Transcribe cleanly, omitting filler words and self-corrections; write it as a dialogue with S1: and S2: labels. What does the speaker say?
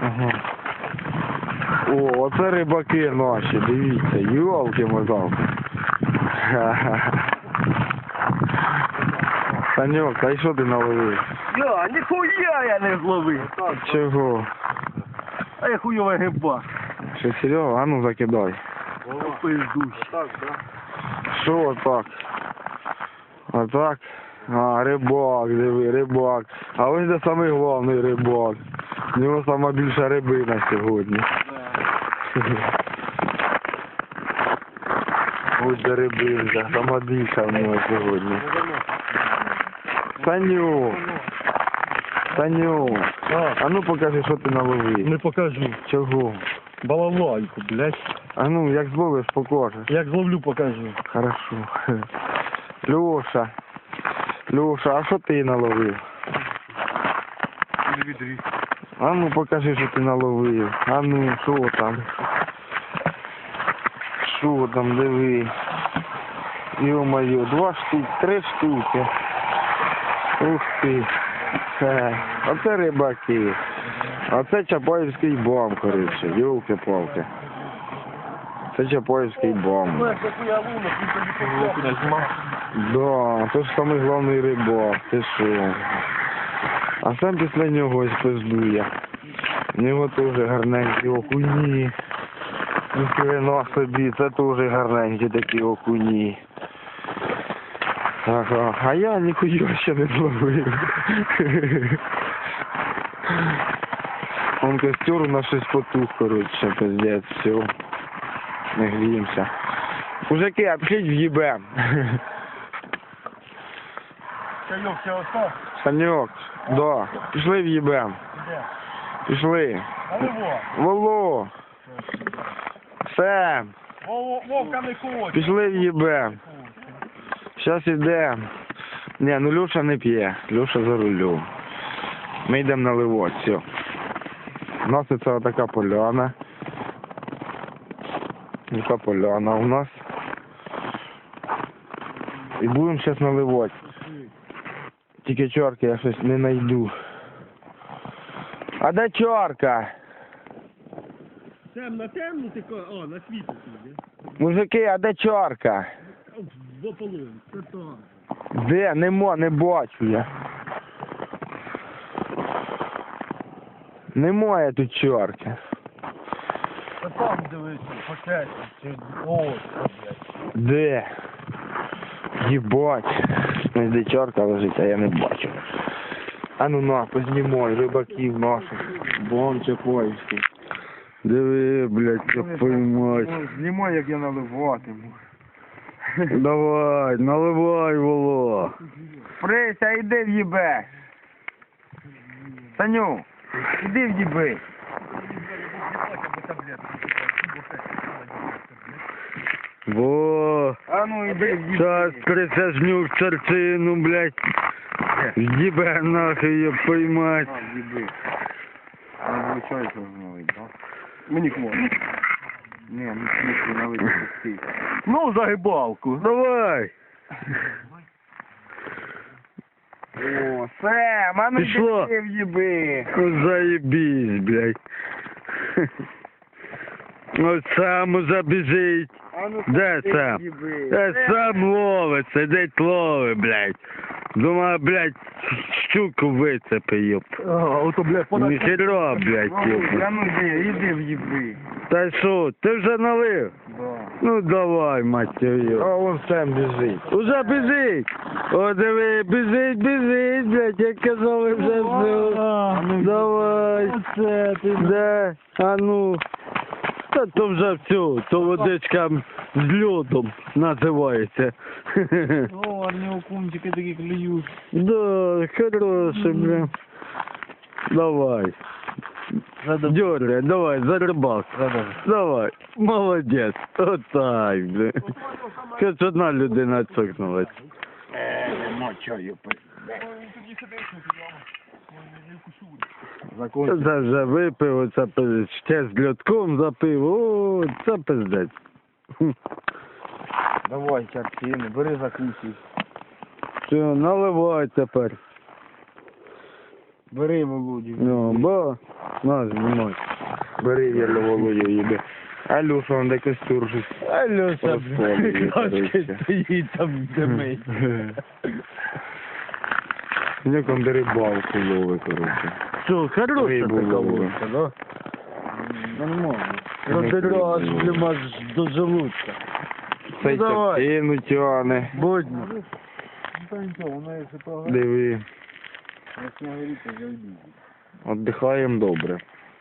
S1: Ага. О, оце рибаки наші, дивіться, йолки-моталки. Саньок, а що ти наловив?
S2: Я, ніхуя я не зловив.
S1: Чого?
S2: А я хуйова гиба.
S1: Що, Серега? А ну закидай.
S2: Пиздусь.
S1: Що отак? Отак? А, рибак, диви, рибак. А ось де самий головний рибак. У нього сама більша рибина сьогодні. Ось де рибинка, сама більша в нього сьогодні. Саню! Саню! А ну покажи, що ти наловив.
S2: Не покажу.
S1: Чого?
S2: Балалайку, блядь.
S1: А ну, як зловиш, покажеш.
S2: Як зловлю, покажу.
S1: Хорошо. Леша. Леша, а що ти наловив? А ну покажи, що ти наловив. А ну, що там? Що там, диви. Ё-моё, 2 штуки, 3 штуки. Ух ти. Оце рибаки. Оце Чапаївський бом, коротше. Ёлки-палки. Це Чапаївський бом. Да, то ж самий головний рибак, ти що? А сам після нього ось пиздує. У нього теж гарненькі окуні. Ніхрена собі, це теж гарненькі такі окуні. Ага, а я ніхуя ще не зловив. Он костер у нас щось потух, коротше, пиздець, все. Не гріємося. Мужики, а пішіть в'їбем.
S2: Саньок, все остав?
S1: Саньок, да, пішли в'їбем.
S2: Де?
S1: Пішли.
S2: А його?
S1: Воло. Сем.
S2: Вовка не хоче.
S1: Пішли в'їбем. Щас ідем. Ні, ну Люша не п'є. Люша за рулем. Ми йдемо наливати, все. У нас це така поляна. Така поляна у нас. І будемо зараз наливати. Тільки чорки я щось не знайду. А де чорка?
S2: На темну ти о, на світло піде.
S1: Мужики, а де чорка?
S2: В ополон, це то.
S1: Де? Не бачу я. Немає тут чорки.
S2: Та там дивися, пакеті, чи ось, блядь.
S1: Де? Єбать. Де чорка лежить, а я не бачу. А ну на, познімай, рибаків наших. Бом Чапаївський. Диви, блядь, як поймать. Знімай, як я наливатиму.
S3: Давай, наливай, Воло.
S1: Прися, іди в'їбе. Саню, іди в'їби.
S3: Во.
S1: А ну іди в'їби.
S3: Сейчас присяжню в серцину, блядь. Ебе нахуй ее поймать.
S1: В'їби. А виходить, налить, так?
S2: Мені хвора.
S1: Ні, ну смішно налить, пусти.
S2: Ну, загибалку.
S3: Давай.
S1: О, Сем, а ну
S3: Пішло.
S1: іди в'їби.
S3: Ну, заебись, блядь. Ось сам уже біжить.
S1: А ну
S3: Де
S1: іди
S3: Сем?
S1: в'їби.
S3: Сам ловить, сидить ловить, блядь. Думаю, блядь, щуку вицепи, ёп.
S2: Ото, блядь, подати.
S3: Ніхера, блядь,
S1: А
S3: ёп.
S1: ну іди в'їби.
S3: Та що, ти вже налив?
S1: Да.
S3: Ну давай, мать твою.
S1: А вон Сем біжить.
S3: Уже біжить. О, диви, біжить, блядь, як казали вже все.
S1: ну,
S3: Давай.
S2: Оце ти.
S3: Де? А ну. Та то вже все, то водичка з льодом називається.
S2: О, арні окунчики такі клюють.
S3: Да, хороший, бля. Давай. Дёргай, давай, за рыбак. Давай, молодець. Отак, бля. Хоч одна людина цокнулась.
S1: Мочою
S3: Це вже випив, це ще з льотком запив. О, це пиздець.
S1: Давай, картини, бери закусуй.
S3: Все, наливай тепер.
S2: Бери Володю.
S3: Ну, бо, на, знімай.
S1: Бери Єлю Володю їде. А Люша, он де костюр щось.
S2: Альоша,
S1: Розпалює,
S2: кашки
S1: коротше.
S2: стоїть там димить.
S1: Як он де рибалку ловить, коротше.
S3: Що, хороша
S1: Рибу
S3: така
S1: ловить.
S3: водка, да?
S2: Нормально.
S3: Продирала аж блін, до желудка.
S1: Цей
S3: давай.
S1: частину тяне.
S3: Будьмо.
S2: Ну то нічого, воно якщо програє,
S1: Диви.
S2: як не горіти, зайду.
S1: Отдихаємо добре.